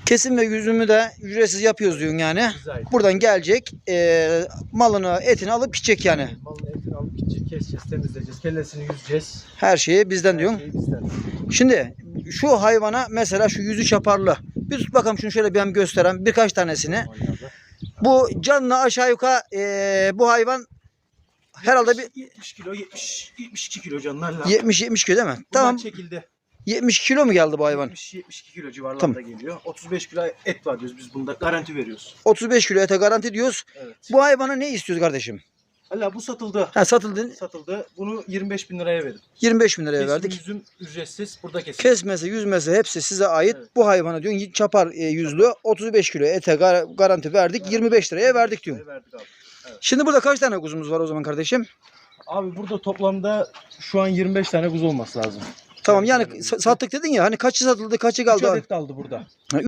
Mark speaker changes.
Speaker 1: Kesim ve yüzümü de ücretsiz yapıyoruz diyorsun yani. Buradan gelecek malını, etini alıp gidecek yani.
Speaker 2: Malın etini alıp gidecek, keseceğiz, temizleyeceğiz, kellesini yüzeceğiz.
Speaker 1: Her şeyi bizden diyorsun.
Speaker 2: Her şey bizden.
Speaker 1: Şimdi şu hayvana mesela şu yüzü çaparlı. Bir tut bakalım şunu şöyle bir göstereyim. Birkaç tanesini. Bu canlı aşağı yukarı bu hayvan herhalde bir
Speaker 2: 70 kilo, 72 kilo canlarla.
Speaker 1: 70 kilo değil mi?
Speaker 2: Bunlar
Speaker 1: Tamam.
Speaker 2: çekildi.
Speaker 1: 70 kilo mu geldi bu hayvan?
Speaker 2: 72 kilo civarlarında
Speaker 1: Tamam.
Speaker 2: geliyor. 35 kilo et var diyoruz biz bunda. Garanti veriyoruz.
Speaker 1: 35 kilo ete garanti diyoruz.
Speaker 2: Evet.
Speaker 1: Bu hayvana ne istiyoruz kardeşim?
Speaker 2: Hala bu satıldı.
Speaker 1: Ha, satıldı.
Speaker 2: Satıldı. Bunu 25 bin liraya verin.
Speaker 1: 25 bin liraya
Speaker 2: Kesim,
Speaker 1: verdik.
Speaker 2: yüzüm ücretsiz. Burada kesin.
Speaker 1: Kesmesi, yüzmesi hepsi size ait.
Speaker 2: Evet.
Speaker 1: Bu hayvana diyorsun çapar yüzlü 35 kilo ete garanti verdik.
Speaker 2: Evet.
Speaker 1: 25 liraya verdik diyorsun.
Speaker 2: Verdik abi. Evet.
Speaker 1: Şimdi burada kaç tane kuzumuz var o zaman kardeşim?
Speaker 2: Abi burada toplamda şu an 25 tane kuzu olması lazım.
Speaker 1: Tamam yani sattık dedin ya hani kaçı satıldı kaçı
Speaker 2: 3
Speaker 1: kaldı?
Speaker 2: adet kaldı burada.